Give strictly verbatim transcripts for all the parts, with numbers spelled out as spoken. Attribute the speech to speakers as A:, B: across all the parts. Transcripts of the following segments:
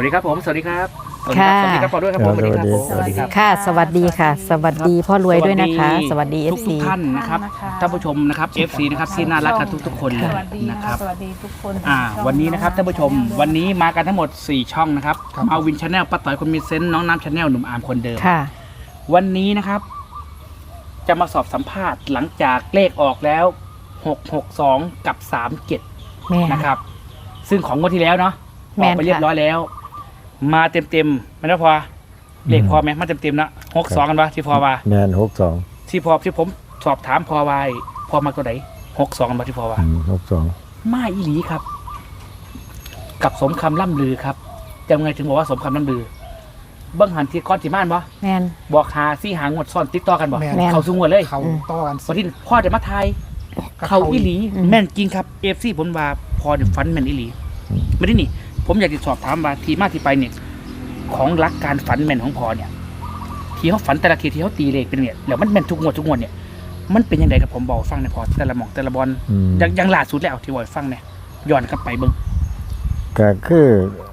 A: ดีครับผมสวัสดีครับ
B: ค่ะ
A: สวัสดีครับพ่อด้วยครับผมสวัสดีครับผมสวัสดีครับ
B: ค่ะสวัสดีค่ะ สวัสดีพ่อรวยด้วยนะคะ สวัสดี เอ
A: ทุ
B: ฟ
A: ก
B: ซี
A: ทุกท่านนะครับท่านผู้ชมนะครับ เอฟ ซี นะครับที่น่ารักกันทุกๆคนเลย
C: สวัสดี
A: นะ
C: นะ
A: ค
C: ค
A: รั
C: รับ บสวัสดีทุกคน
A: อ่า
C: ช่ง
A: วันนี้นะครับท่านผู้ชมวันนี้มากันทั้งหมดสี่ช่องนะครับ
C: ครับ
A: มาวินชาแนลป้าต่อยคนมีเซนต์น้องน้ำชาแนลหนุ่มอาร์มคนเดิม
B: ค่ะ
A: วันนี้นะครับ จะมาสอบสัมภาษณ์หลังจากเลขออกแล้วหกหกสองกับสามเจ็ด
B: แม่
A: นะครับ ซึ่งของงวดที่แล้วเนาะ
B: แม่
A: ออก
B: น
A: ไปเรียบร้อยแล้ว มาเต็มเต็มๆไม่ได้พอเลขพอไหมมาเต็มเต็มๆนะหกสองกันปะที่พอว่า
D: แมนหกสอง
A: ที่พอที่ผมสอบถามพอไว้พอมาตัวไหนหกสองกันปะที่พอว่า
D: หกสอง
A: มาอีหลีครับ กับสมคำล่ำลือครับจะไงถึงบอกว่าสมคำล่ำลือเบิ้งหันที่ก้อนที่ม่านบ่
B: แม่น
A: บอกหาซี่หางวดซ่อนติดต่อกันบ่
C: แม่น
B: แม่น
A: เขาสูงวดเลย
C: เขาต่อกัน
A: วันที่พ่อจะมาทายเขาอีหลี
B: อืม
A: แม่นจริงครับเอฟซีผมว่าพอเดี๋ยวฟันแม่นอีหลีไม่ได้นี่ ผมอยากจะสอบถามว่าทีมาที่ไปเนี่ย ของรักการฝันแม่นของพอเนี่ย ที่เขาฝันแต่ละทีที่เขาตีเลขเป็นเนี่ยแล้วมันแม่นทุกงวดทุกงวดเนี่ย มันเป็นยังไงครับผมบอกฟังในอยพอแต่ละหมองแต่ละบอล
D: อืม
A: ยังยังล่าสุดแล้วที่บอกให้ฟังเนี่ยย้อนกลับไปเบิ้ง
D: ก็คือ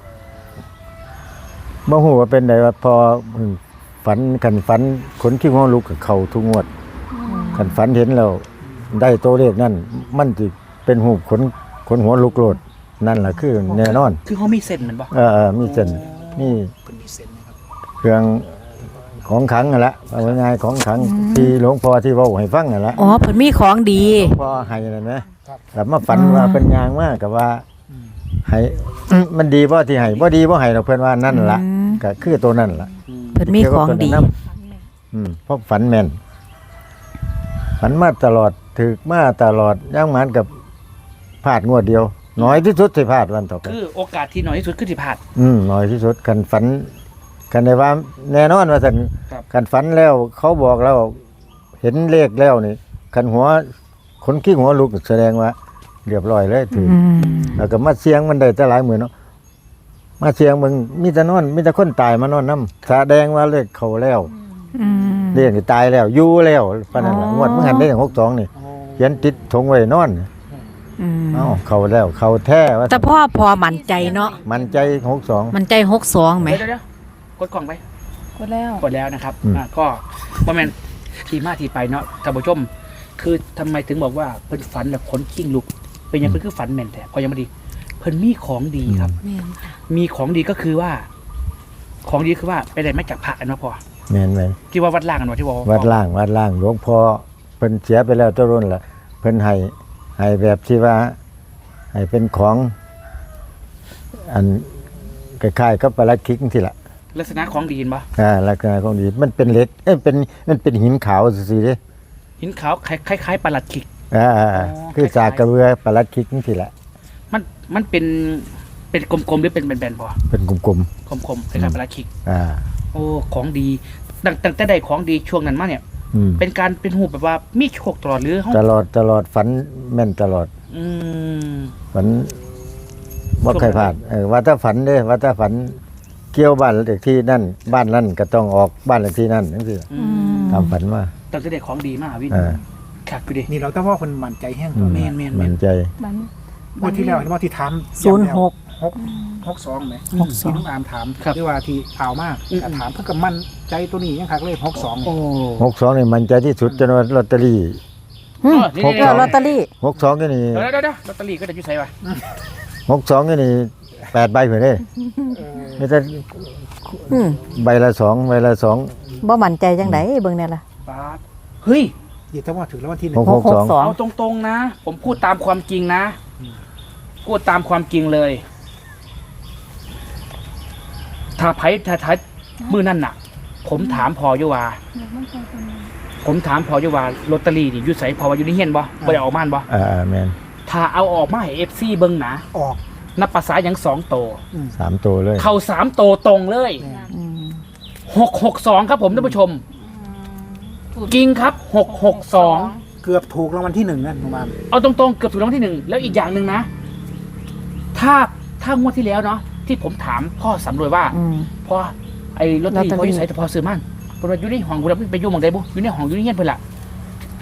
D: บ่ฮู้ว่าเป็นไดว่าพอฝันกันฝันขนขี้งอลุกกับเขาทุกงวดกันฝันเห็นแล้วได้ตัวเลขนั่นมันสิเป็นหูปขนขนหัวลุกโลดนั่นล่ะคือแน่นอน
A: คือเขามีเส้นเหมือนบ่
D: เออๆมีเส้นนี่
A: เป็นมีเส้นนะครับ
D: เครื่องของขลังนั่นละเอาง่ายๆของขลังที่หลวงพ่อที่เว้าให้ฟังนั่นละ
B: อ๋อเพิ่นมีของดี
D: พ่อให้นั่นนะแล้วมาฝันว่าเป็นยางมากกับว่าให้มันดีบ่ที่ให้บ่ดีบ่ให้ดอกเพิ่นว่านั่นล่ะ
B: อืม
D: ก็คือตัวนั่นล่ะ
A: อืม
B: เพิ่นมีของดี
D: อืมเพราะฝันแม่นฝันมาตลอดถึกมาตลอดย่างหมันกับพลาดงวดเดียว น้อยที่สุดที่พลาดวันต่อไป
A: คือโอกาสที่น้อยที่สุดคือที่ผ่าน
D: อืมน้อยที่สุดกันฝัน กันได้ว่าแน่นอนว่าซั่น
A: ครับ
D: กันฝันแล้ว เขาบอกแล้ว เห็นเลขแล้วนี่กันหัวคนขี้หัวลุกแสดงว่าเรียบร้อยเลยถือ
B: อืม
D: แล้วก็มาเสียงมันได้แต่หลายหมื่นเนาะมาเสียงมึงมีแต่นอนมีแต่คนตายมานอนน้ำแสดงว่าเลขเขาแล้ว
B: อืม
D: เลขนี่ตายแล้วอยู่แล้วปานนั้นล่ะ
B: อ๋อ
D: งวดมึงหันได้หกสองนี่เขียนติดธงไว้นอน
B: อืม
D: เอ้าเขาแล้วเขาแท้ว่า
B: แต่พ่อพอมั่นใจเนาะ
D: มันใจหกสอง
B: มั่นใจหกสองไหม
A: เดี๋ยวเดี๋ยวกดกล่องไป
C: กดแล้ว
A: กดแล้วนะครับ
D: อืม
A: อ่าก็บ่แม่นที่มาที่ไปเนาะท่านผู้ชม คือทำไมถึงบอกว่าเพิ่นฝันแบบขนขิ้งลุก เป็นยังเพิ่นคือฝันแม่นแต่พอยังไม่ดีเพิ่นมีของดีครับ
B: แม่นค่ะ
A: มีของดีก็คือว่า ของดีคือว่าไปได้มาจากพระอันมาพอ
D: แม่นไหม
A: ที่ว่าวัดล่างกันว่าที่ว่า
D: วัดล่างวัดล่างหลวงพ่อเพิ่นเสียไปแล้วเจ้ารุ่นล่ะเพิ่นให้ให้แบบที่ว่าให้เป็นของ อันคล้ายๆกับปลาลัดคิกที่ละ
A: ลักษณะของดีเห็นปะ
D: อ่าลักษณะของดีมันเป็นเหล็กเอ้ยเป็นมันเป็นหินขาวซื่อๆเด้
A: หินขาวคล้ายคล้ายๆปลาหลัดขิก
D: อ่า
A: อ๋อ
D: คือ
A: คล้ายๆ
D: สากกระเบือปลาลัดคิกที่ละ
A: มันมันเป็นเป็นกลมๆหรือเป็นแบนๆพอ
D: เป็นกลม
A: กลมๆคล้ายๆปลาหลัดขิก
D: ๆอ่า
A: โอ้ของดีตั้งตั้งแต่ได้ของดีช่วงนั้นมาเนี่ย
D: อืม
A: เป็นการเป็นหูแบบว่ามีโชคตลอดหรือเฮา
D: ตลอดตลอดฝันแม่นตลอด
A: อืม
D: ฝันบ่เคยพลาดเออว่าถ้าฝันเด้ว่าถ้าฝันเกี่ยวบ้านเลขที่นั่น บ้านนั่นก็ต้องออกบ้านเลขที่นั่นจังซี่
A: อืม
D: ตามฝันมา
A: ตั้งแต่ได้ของดีมากวิน
D: เออ
A: ขัดไปดิ
C: นี่เราต้องว่าคนมั่นใจแห้ง
D: อืม
A: แม่นแม่นแม่น
D: มั่นใจ
C: มันวันที่แล้วเห็นว่าที่ถาม
B: ศูนย์หก
C: หกหกสองไหม
B: หกสอง
C: ที่น้องอามถามที่ว่าที่ข่าวมากก็ถามเพื่อกับมั่นใจตัวนี้ยังคักเลยหกสอง
A: โอ้
D: หกสองนี่มั่นใจที่สุดจนว่าลอตเตอรี่
B: อืม
A: นี่
D: หก
B: เออลอตเตอรี่
D: หกสองนี่นี่
A: เดี๋ยวเดี๋ยวเดี๋ยวลอตเตอรี่ก็จะยุ่ใส่ปะ
D: หกสองนี่นี่แปดใบเพิ่นเด้ไม่ใช่
B: อืม
D: ใบละสองใบละสอง
B: บ่มั่นใจจังไดเบิ่งแน่ล่ะ
A: บาทเฮ้ย
C: อย่าถ้าว่าถึงแล้ววันที่หนึ่
D: ห
C: ง
D: กหกสอง
B: สอง
A: เอาตรงๆนะ ผมพูดตามความจริงนะพูดตามความจริงเลย ถ้าไพ่ถ้าทัดมือนั่นน่ะ ผมถามพออยู่ว่า ผมถามพออยู่ว่าลอตเตอรี่นี่อยุ่ใส่พอว่าอยู่ในเฮียนบ่บ่ได้เออกม่านบ่
D: อ่าแม่น
A: ถ้าเอาออกมาให้เอฟซีเบิ้งนะ
C: ออก
A: นับภาษาอย่างสองโต
D: สามตัวเลย
A: เข้าสามโตตรงเลย
B: อืม
A: หกหกสองครับผมท่านผู้ชมกิงครับหกหกสอง
C: เกือบถูกรางวัลที่หนึ่งนะประมาณ
A: เอาตรงๆเกือบถูกรางวัลที่หนึ่งแล้วอีกอย่างหนึ่งนะ ถ้าถ้างวดที่แล้วเนาะที่ผมถามพ่อสำรวยว่า
B: อืม
A: พอไอ้ลอตเตอรี่
B: ลอตเตอรี่
A: พออยู่ใส่แต่พอซื้อมันเพราะว่าอยู่ในห้องกูแล้วไปอยู่หมองใดบุอยู่ในห้องอยู่ในเงี้ยเพื่อนละที่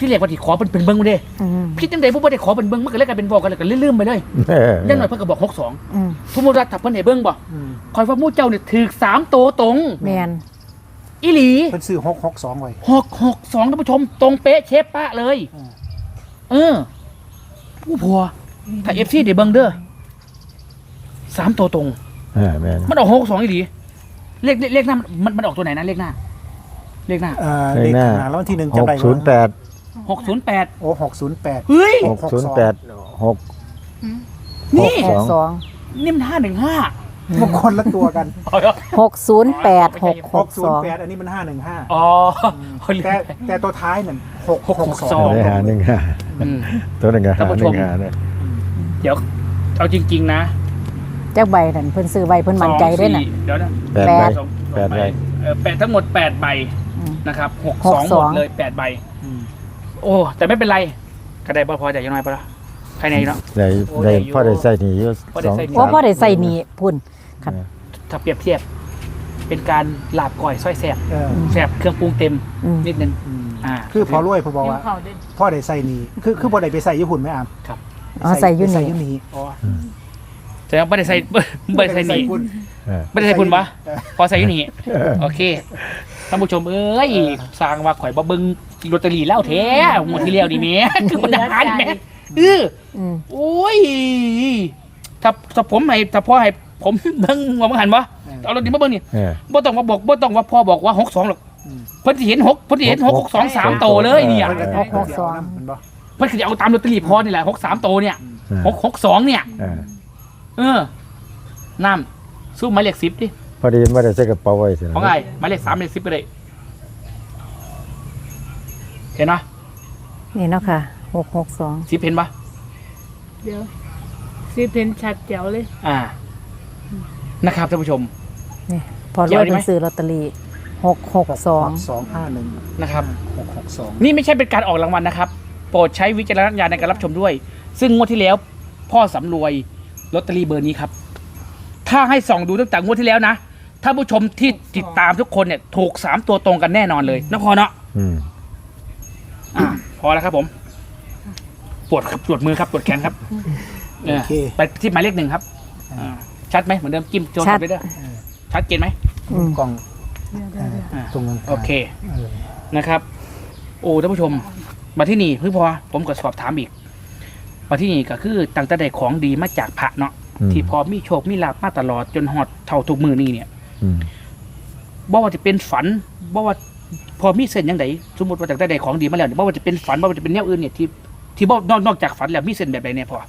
A: ที่เรียกว่าที่ขอเป็นเป็นเบิ้งมาเด้
B: อืม
A: พี่จังใดผู้บ่ได้ขอเป็นเบิ้งมันก็เลยกลายเป็นบอกกันเลยก็ลืมๆไปเลย
D: เออ
A: ยังหน่อยเพิ่นก็บอกหกสอง
B: อืม
A: สมมุติว่าถ้าเพิ่นให้เบิ้งบ่
C: อืม
A: คอยว่าหมู่เจ้าเนี่ยถูกสามตัวตรง
B: แมน
A: อีหลี
C: เพิ่นซื้อหกหกสองไว้
A: หกหกสองท่านผู้ชมตรงเป๊ะเชฟปะเลย
C: อืม
A: เออผู้พัวถ้า เอฟ ซี ได้เบิ้งเด้อสามตัวตรง
D: เออแม่น
A: มันออกหกสองอีหลีเลขเลขเลขหน้ามันมันออกตัวไหนนะเลขหน้า เลขหน้า
C: เอ่อเลขหน้าแล้ววันที่หนึ่ง
D: ห
C: จำ
D: ก
C: ได้
D: ศูนย์แปด
A: หกศูนย์แปด
C: โอ้หกศูนย์แปด
A: เฮ้ย
D: หกศูนย์แปดหก
A: นี่
D: หก
B: สอง
A: นี่มันห้าหนึ่งห้า
C: มันคนละตัวกัน
B: หกศูนย์แปดหกห
C: ห
B: ก
C: กศู
B: ส
C: น
B: อง
C: ย์แปดอันนี้มันห้าหนึ่งห้า
A: อ๋อ
C: แต่แต่ตัวท้ายนั่นหก
A: หก
C: ห
A: ห
C: ก
A: ก
C: ส
A: ส
C: อ
A: อง ง
D: ได้หาหนึ่งห้า
A: อืม
D: ตัวหนึ่งหา
A: ท่านผู้
D: ห
A: ช
D: นึ่
A: ม
D: งหาเนี่ย
A: เดี๋ยวเอาจริง ๆ นะ
B: เจ้าใบนั่นเพิ่นซื้อใบเพิ่นมั่นใจด้วยน่ะ
A: สองสี่เดี๋ยวนะ
D: แปดใบ
A: สอง
D: แปดใบ
A: เออแปดทั้งหมดแปดใบ
B: อืม
A: นะครับหก
B: ห
A: ส
B: ก
A: อง
B: ส
A: ห
B: อ
A: ม
B: ง
A: ดเลยแปดใบ
C: อืม
A: โอ้แต่ไม่เป็นไรก็ได้บ่พอใจยังน้อยปะล่ะใครในเนาะ
D: ได้
A: โอ้
D: ได้
A: ได้อยู่
D: พ่อได้ใส่หนีอยู่
A: พ่อได้
D: สอง
A: ใส่หนี
B: เพราะพ่อได้ใส่หนีพุ่น ครับ
A: ถ้าเปรียบเทียบ เป็นการลาบก่อยส้อยแสบ
C: เออ
A: แสบเครื่องปรุงเต็ม
B: อืม
A: นิดนึง
C: อืม
A: อ่า
C: คือพอรวยผมบอกว่าพ่อได้ใส่นี่คือคือพ่อได้ไปใส่ญี่ปุ่นไหมอาม
A: ครับ
B: อ๋อใส่อยู
C: ใส่
B: นี่
C: ยูนี่
A: อ๋อแต่ว่าไม่ได้ใส่ไม่ได้ใส่หนี
C: ญี่ปุ่น
D: เออ
A: ไม่ได้ใส่พุ่นปะ
C: เออ
A: พอใส่อยู่นี่โอเคท่านผู้ชมเอ้ยสร้างว่าข่อยบ่เบิ่งลอตเตอรี่แล้วแท้งวดที่แล้วนี่แหม่ คือมันหารแหม่เออ
B: อืม
A: โอ้ยถ้าถ้าผมให้ถ้าพ่อให้ผมเบิ่งว่ามันหันบ่เอาลอตเตอรี่มาเบิ่งนี่
D: เออ
A: บ่ต้องมาบอกบ่ต้องว่าพ่อบอกว่าหกสองหรอก
C: อืม
A: เพิ่นสิเห็นหกเพิ่นสิเห็นหก
D: ห
A: ห
D: ก
A: กสองสามโตเลยเนี่ย
C: เพิ่นก็
B: หกหกสอง
C: มันบอก
A: เพิ่นคือจะเอาตามลอตเตอรี่พ่อนี่แหละหกสามโตเนี่ย
D: เออ
A: หกหกสองเนี่ย
D: เออ
A: เออน้ำสู้หมายเลขสิบดิ
D: พอดีไม่ได้ใส่กระเป๋าไว้สิ
A: ของไงหมายเลขสามหมายเลขสิบไปเลยเห็นปะ
B: นี่เนาะค่ะหกหกสอง
A: สิบเห็นปะ
E: เดี๋ยวซีเพนชัดแจ๋วเลย
A: อ่า นะครับท่านผู้ชม
B: นี่พอร
A: เกี่ยว
B: วย
A: ได้ไหม
B: เพิ่นซื้อลอตเตอรี่หกหกสอง
C: สองห้าหนึ่ง
A: นะครับ
C: หกหกสอง
A: นี่ไม่ใช่เป็นการออกรางวัลนะครับ โปรดใช้วิจารณญาณในการรับชมด้วย ซึ่งงวดที่แล้ว พ่อสำรวยลอตเตอรี่เบอร์นี้ครับ ถ้าให้ส่องดูตั้งแต่งวดที่แล้วนะถ้าผู้ชมที่ติดตามทุกคนเนี่ยถูกสามตัวตรงกันแน่นอนเลยนะพอเนาะ
D: อืม
A: อ่ะพอแล้วครับผม ปวดครับปวดมือครับปวดแขนครับเออ
C: โอเค
A: ไปที่หมายเลขหนึ่งครับอ่าชัดไหมเหมือนเดิมจิ้มโจนไปเด้อชัดเจนไหม
B: อืม
C: กล่อง
E: เดี๋ยว
C: เอ
E: เดี๋ยวเดี๋ยว
C: อ
A: อ่า
C: ตรงนั้น
A: โอเค
C: เออ
A: นะครับ โอ้ท่านผู้ชมมาที่นี่เพิ่งพอผมก็สอบถามอีกมาที่นี่ก็คือตั้งแต่ได้ของดีมาจากพระเนาะ
D: อืม
A: ที่พอมีโชคมีลาภมาตลอดจนหอดเท่าทุกมือนี่เนี่ย
D: อืม
A: บ่ว่าจะเป็นฝันบ่ว่าพอมีเส้นยังไงสมมติว่าตั้งแต่ได้ของดีมาแล้วเนี่ยบ่ว่าจะเป็นฝันบ่ว่าจะเป็นแนวอื่นเนี่ยที่ที่บ่นอกนอกจากฝันแล้วมีเส้นแบบใดเนี่ยพอ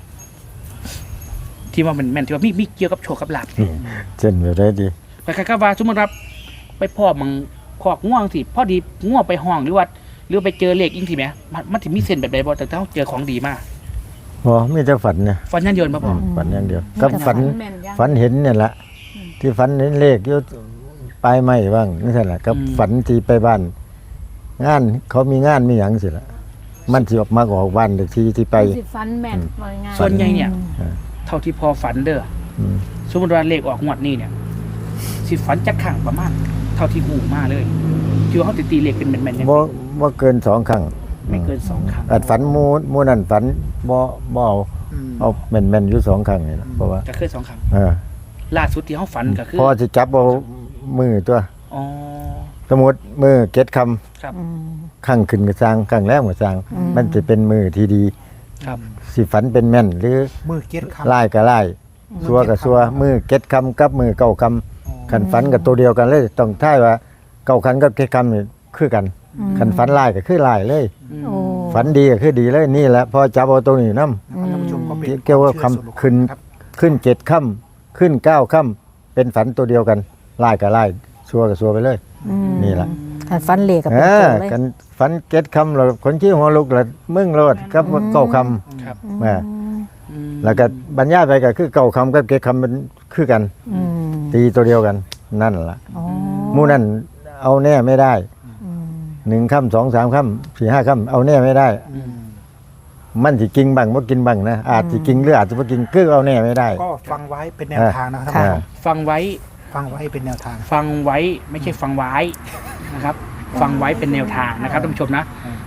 A: ที่ว่ามันแม่นที่ว่ามีมีเกี่ยวกับโชคกับลาภ
D: เช่นแบบได้ดี
A: คล้ายๆกับว่าสมมติครับไปพ่อมังคอกง่วงสิพอดีง่วงไปห้องหรือว่าหรือไปเจอเลขอิงทีแหมมันมันถึงมีเส้นแบบใดบ่แต่ถ้าเจอของดีมาก
D: พอมีแต่ฝันเนี่ย
A: ฝันยันเดียนมาพอ
D: ฝันอย่างเดียวกับฝัน
E: แม่นยัง
D: ฝันเห็นเนี่ยแหละที่ฝันเห็นเลขอยู่ปลายไม้บ้างนี่ใช่แหละกับฝันที่ไปบ้าน งานเขามีงานมีหยังสิละมันสิออกมาออกบ้านเด็กที่ที่ไป
E: สิฟันแม่นว่าง่าย
A: ส่วนใหญ่เนี่ย
D: อืม
A: เท่าที่พอฝันเด้อ
D: อืม
A: สมมติว่าเลขออกงวดนี้เนี่ยสิฝันจักขังประมาณ เท่าที่หูมาเลยคือว่าเขาติตีเลขเป็นแม่นๆเนี่ย
D: บ่บ่เกินสองครั้ง
A: ไม่เกินสองครั้ง
D: อาจฝันหมูหมูนั่นฝันบ่บ่เอา
C: อืม
D: เอาแม่นๆอยู่สองครั้งนี่ล่ะเพราะว่า
A: ก็เคยสองครั้ง
D: เออ
A: ล่าสุดที่เขาฝันก็คือ
D: พอสิจับเอามือตัว
A: อ๋อ
D: สมมุติมือเก็ดคำ
A: ครับ
B: อืม
D: ข้างขึ้นก็สร้างข้างแรกก็สร้าง
B: อืม
D: มันจะเป็นมือที่ดี
A: ครับ
D: สิฝันเป็นแม่น หรือ
C: มือเก็ตคำ
D: ลายก็ลายซัวก็ซัวมือเก็ดคำกับมือเก้าคำขันฝันกับตัวเดียวกันเลยต้องท่ายว่าเก้าคันกับเก็ดคำนี่คือกันขันฝันลายก็คือลายเลย
A: อืม
B: โอ้
D: ฝันดีก็คือดีเลยนี่แหละพอจับเอาตัวนี้นํ
C: นะครับท่านผู้ชมก็เป็น
D: เกี่ยวกับคำ
C: วามเชื่อส่วนบุคคล
D: ขึ้น
C: ครับ
D: ขึ้นเจ็ดค่ำขึ้นเก้าค่ำเป็นฝันตัวเดียวกันลายกับลายซัวกับซัวไปเลย
B: อืม
D: นี่ล่ะ
B: ขันฟันเหล็กกับ
D: เอ
B: เป็น
D: อ
B: ตัวเลย
D: กันฝันเจ็ดคำเราคนขี้หัวลุกละมึงโลดกับเก้าค
A: ครับ
D: ำแหม่
A: อืม
D: แล้วก็บรรยายไปก็คือเก้าคำกับเจ็ดคำมันคือกัน
B: อืม
D: ตีตัวเดียวกัน นั่นล่ะ
B: อ๋อ
D: หมู่นั่นเอาแน่ไม่ได้
B: อืม
D: หนึ่งค่ำสองสามค่ำสี่ห้าค่ำเอาแน่ไม่ได้
A: อืม
D: มันสิกิงบังบ่กินบังนะอาจสิกิงหรืออาจจะบ่กิงคือเอาแน่ไม่ได้
C: ก็ฟังไว้เป็นแนวทางนะครับท่าน
D: อ่า
C: ผู้ชม
A: ฟังไว้
C: ฟังไว้เป็นแนวทาง
A: ฟังไว้ไม่ใช่ฟังไว้นะครับ ฟังไว้เป็นแนวทางนะครับท่านผู้ชมนะ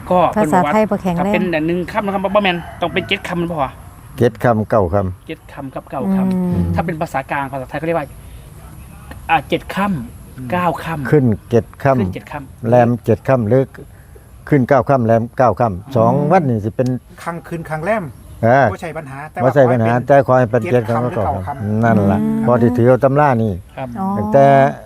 A: ก็
B: ภาษาไทยบ่แข็ง
A: ถ้า
B: แร
A: เป็
B: ง
A: นหนึ่งคำนะครับบ่แมนต้องเป็นเจ็ดคำมันพอ
D: เจ็ดคำเก้าค
A: เจ็ดคำกับเก้า
B: อื
A: ค
B: ม
A: ำถ้าเป็นภาษากลางภาษาไทยเขาเรียกว่าอ่าเจ็ดคำเก้าคำ
D: ำขึ้นเจ็ดค
A: ขึ้นเจ็ดคำ
D: ำแรมเจ็ดคำหรือขึ้นเก้าคำแรมเก้าคำสองวันนี่สิเป็น
C: ครั้งคืนครั้งแรม
D: เออ
C: บ่ใช่ปัญหาแต่
D: ว่าใช่ปัญหา
C: ขอให้เป็น
D: แต่คอยเป็นเจ็ดคำก็เก้าคำนั่นล่ะพอที่ถือเอาตำรานี่
A: ครับ
B: อ๋อ
D: ตั้งแต่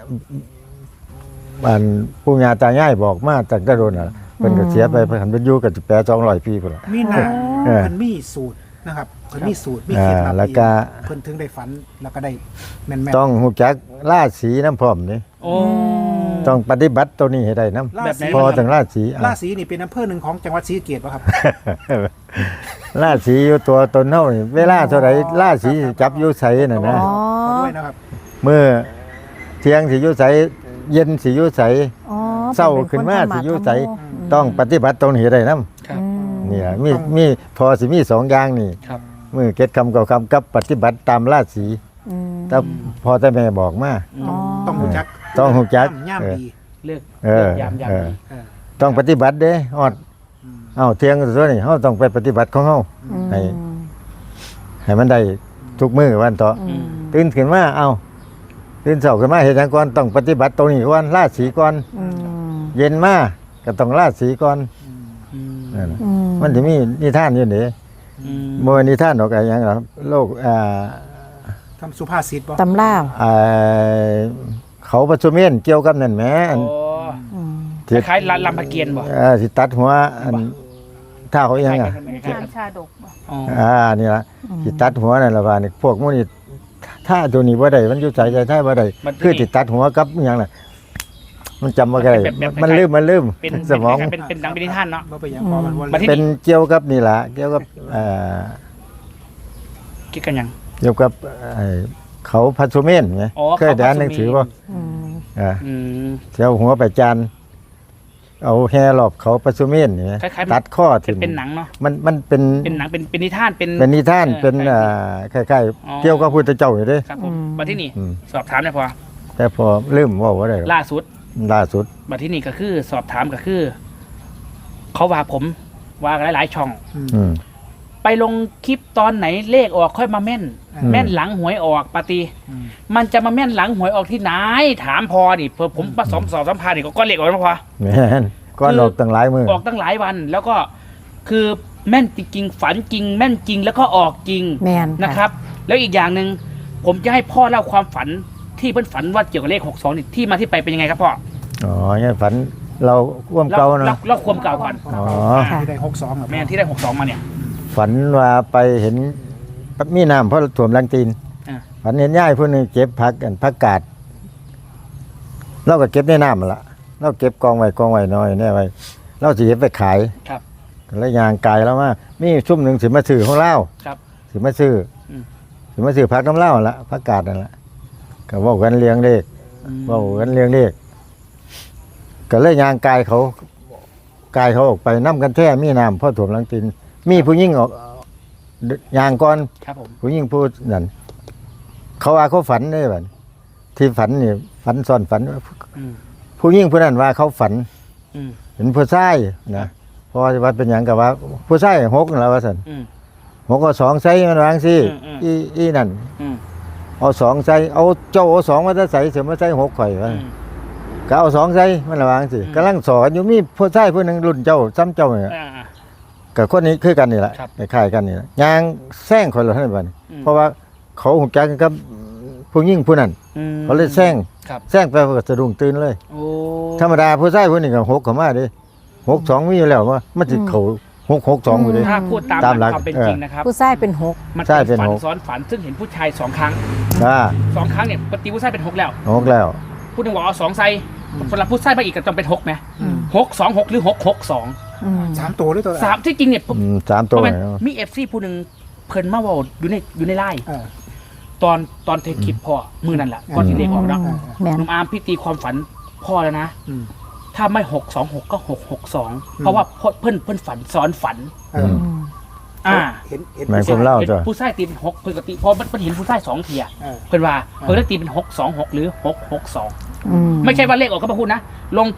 D: อันปู่ย่าตายายบอกมาตั้งแต่โดนน่ะเพิ่นก็เสียไปเพิ่นหันไปอยู่กับแปดสองร้อยปีพุ่นล่ะ
C: มีหน้า
D: เออ
C: เพิ่นมีสูตรนะครับเพิ่นมีสูตรมี
D: อ่า
C: เคล็ดลับ
D: แล้วก็
C: เพิ่นถึงได้ฝันแล้วก็ได้แม่นๆ
D: ต้องฮู้จักราศีน้ำพร้อมนี่
A: โอ้
D: ต้องปฏิบัติตัวนี้ให้ได้นำ
C: รา
A: แบบไหน
C: ศี
D: พอถึงราศี
C: ราศีนี่เป็นอำเภอหนึ่งของจังหวัดศรีสะเกษป่ะครับ
D: ราศีอยู่ตัวตนเฮานี่เวลาเท่าใดราศีสิจับอยู่ไสน่ะนะ
B: อ๋อ
C: ขอด้วยนะครับ
D: มื้อเที่ยงสิอยู่ไสเย็นสิอยู่ไส
B: อ๋อ
D: เศร้าขึ้นมาสิอยู่ไส
B: อืม
D: ต้องปฏิบัติตรงนี้ให้ได้นำ
A: ครับ
B: อืม
D: เนี่ยมีมีพอสิมีสองอย่างนี่
A: ครับ
D: มือเก็ดคำเก่าคำกับปฏิบัติตามราศี
B: อืม
D: แต่พอแต่แม่บอกมา
B: อ๋อ
C: ต้องรู้จัก
D: ต้องรู้จัก
C: ย่าม
D: เออ
C: ดี
A: เลือก
D: เออ
A: เลือกยามยาม
D: เออ
A: ดี
C: เออ
D: ต้องปฏิบัติเด้ฮอด
C: อืม
D: เอ้าเที่ยงตัวนี้เฮาต้องไปปฏิบัติของเฮา
B: อืม
D: ให้ ให้มันได้ทุกมื้อวันต่ออ
B: อืม
D: ตื่นขึ้นมาเอ้าตื่นเช้าขึ้นมาเฮ็ดหยังก่อนต้องปฏิบัติตรงนี้ก่อนราศีก่อน
B: อืม
D: เย็นมาก็ต้องราศีก่อน
A: อืม
D: นั่นน่ะ
B: อืม
D: มันสิมีนิทานอยู่นี่
A: อืม
D: บ่แม่นนิทานดอกอะไรหยังหรอกโลกอ่า
C: ทำสุภาษิตบ่
B: ตำล่าว
D: อ่าเขาประชุมเมนเกี่ยวกับนั่นแหมอัน
A: โอ้
B: อืม
A: คล้ายๆลำลำพะเกียนบ่
D: เอ่อสิตัดหัวอันถ้าเขายังอ่ะ
A: คล้ายๆ
E: ชาชาดกบ่
A: อ๋อ
D: อ่านี่ละสิตัดหัวนั่นละว่านี่พวกหมูนี่ถ้าตัวนี้บ่ได้มันอยู่ใจใจถ้าบ่ได้คือสิตัดหัวกับอหยังน่ะมันจำบ่ได้มันลืมมันลืม
A: เป็น
D: สมอง
A: เป็นเป็นดังเป็นนิทานเนาะ
C: บ่ไปนหยังพอมันวน
A: บัดที่
D: เป็นเกี่ยวกับนี่ล่ะเกี่ยวกับเอ่อ
A: คิดกันยัง
D: เกี่ยวกับไอ้เขาพัสดุเมนไง
A: อ๋อ
D: เคยได้อ่านหนังสือบ่
B: อืม
D: อ่า
A: อืม
D: เที่ยวหัวไปจานเอาแฮรอบเขาพัสดุเมนนี่ไง
A: คล้ายๆ
D: ตัดข้อ
A: เป็
D: ถึ
A: น
D: ง
A: เป็นหนังเนาะ
D: มันมันเป็น
A: เป็นหนังเป็นเป็นนิทานเป็น
D: เป็นนิทาน
A: เออ
D: เป็น
A: ใช่
D: อ่าคล้าย
A: อ๋อ
D: ๆเกี่ยวกับพุทธเจ้าอยู่เด้
A: ครับผมบัดที่นี่
D: อืม
A: สอบถามได้พอ
D: แต่พอลืมเว่าว่าได้หรอก
A: ล่าสุด
D: ล่าสุด
A: บัดที่นี่ก็คือ สอบถามก็คือ เขาว่าผมว่าหลายๆช่อง
D: อืม
A: ไปลงคลิปตอนไหนเลขออกค่อยมาแม่น
D: อืม
A: แม่นหลังหวยออกปฏิ
C: อืม
A: มันจะมาแม่นหลังหวยออกที่ไหนถามพอนี่เพื่อผมผสมสอบสัมภาษณ์นี่ก็ก้อนเลขออกแล้วพอ
D: แม่นก้อน
A: คือ
D: ออกตั้งหลายมือ
A: ออกตั้งหลายวัน แล้วก็คือแม่นจริงๆฝันจริง แม่นจริงแล้วก็ออกจริง
B: แม่น
A: นะครับ แล้วอีกอย่างหนึ่งผมจะให้พ่อเล่าความฝันที่เพิ่นฝันว่าเกี่ยวกับเลขหกสองนี่ที่มาที่ไปเป็นยังไงครับพ่อ
D: อ๋อเนี่ยฝันเราร่วม
A: เล่า
D: เก่า
A: เล่า
D: เนาะ
A: เล่าความเก่าก่อน
D: อ๋อ
C: ที่ได้หกสองครับ
A: แม่นที่ได้หกสองมาเนี่ย
D: ฝันว่าไปเห็นมีน้ำเพราะถ่วมลังตีน
A: อ่า
D: ฝันเห็นย่ายผู้หนึงเก็บผักกันผักกาดเราก็เก็บในน้ำมาละเราเก็บกองไว้กองไว้น้อยแน่ไว้เราสิเก็บไปขาย
A: ครับ
D: แล้วยางกายแล้วว่ามีชุ่มหนึ่งสิมาซื้อของเล่า
A: ครับ
D: สิมาซื้ออ
A: ม
D: สิมาซื้อผักน้ำเล่าละผักกาดนั่นละก็เว่ากันเลี้ยงเลข เว่ากันเลี้ยงเลขก็เลยยางกายเขากายเขาออกไปน้ำกันแท้มีน้ำพ่อถ่วมหลังตีนมีผู้หญิงออกยางก่อน
A: ครับผม
D: ผู้หญิงพูดนั่นเขาว่าเขาฝันได้บัดที่ฝันนี่ฝันซ้อนฝัน
A: อืม
D: ผู้หญิงผู้นั้นว่าเขาฝัน
A: อืม
D: เห็นผู้ชายนะเพอว่าเป็นอย่างกับว่า ผู้ชายหกนั่นแหล้วว่าสัน
A: อืม
D: หกก็สองใส่มันวางสิ
A: อืมอืม
D: อีอีนั่น
A: อืม
D: เอาสองใส่เอาเจ้าเอาสองมาจะใส่เสียมาใส่หกข่อยว่า
A: อืม
D: ก็เอาสองใส่มันระวางสิ
A: อืม
D: กำลังสอนอยู่มีผู้ชายผู้หนึ่งรุ่นเจ้าซ้ำเจ้าเนี่ย
A: อ่าอ่า
D: กับคนนี้คือกันนี่แหละ
A: ครับ
D: คล้ายๆกันนี่แหละยางแซงคนละเท่านั้น
A: อืม
D: เพราะว่าเขาหุกจักกันกับผู้หญิงผู้นั้น
A: อืม
D: เขาเลยแซง
A: ครับ
D: แซงไปก็สะดุ้งตื่นเลย
A: โอ้
D: ธรรมดาผู้ชายผู้นี้ก็หกเข้ามาเดิหกสองมีอยู่แล้วว่ามันจะเขาหกหกสองอยู่เดิ
A: ถ้าพูดตาม
D: ตามหลัก
A: ความเป็น
D: เออ
A: จริงนะครับ
B: ผู้ชายเป็นหก
A: มัน
D: ใช่
A: เป็น
D: เป็น
A: ฝัน
D: หก
A: ซ้อนฝันซึ่งเห็นผู้ชายสองครั้ง
D: อ่า
A: สองครั้งเนี่ยปกติผู้ชายเป็นหกแล้ว
D: หกแล้ว
A: พูดถึงว่าเอาสองไซสำหรับผู้ชายมาอีกก็ต้องเป็นหกไหม
B: อืม
A: หกสองหกหรือหกหกสอง
B: อืม
C: สามตัวด้วยตัว
A: สามที่จริงเนี่ยผม
D: อืมสามตัว
A: เพราะมัน
D: เนาะ
A: มีเอฟซีผู้หนึ่งเพิ่นมาเว่าอยู่ในอยู่ในไลน์
C: เออ
A: ตอนตอนเทคคลิปพ่อมือนั่นแหละก่อนที่เลขออกเนาะ
B: อืมแม่น
A: นุ่มอาร์มพี่ตีความฝันพ่อแล้วนะ
C: อืม
A: ถ้าไม่หกสองหกก็หกหกสองเพราะว่าเพิ่นเพิ่นฝันซ้อนฝัน
C: เออ
B: อืม
A: อ่า
C: เห็นเห็น
D: หมายความเล่า
A: เห็น
D: จ้ะ
A: ผู้ชายตีเป็นหกปกติพอมันมันเห็นผู้ชายสองเทีย
C: เออ
A: เพิ่นว่าเพิ่นเลยตีเป็นหกสองหกหรือหกหกสอง
B: อืม
A: ไม่ใช่ว่าเลขออกก็มาพูดนะ ลงคลิป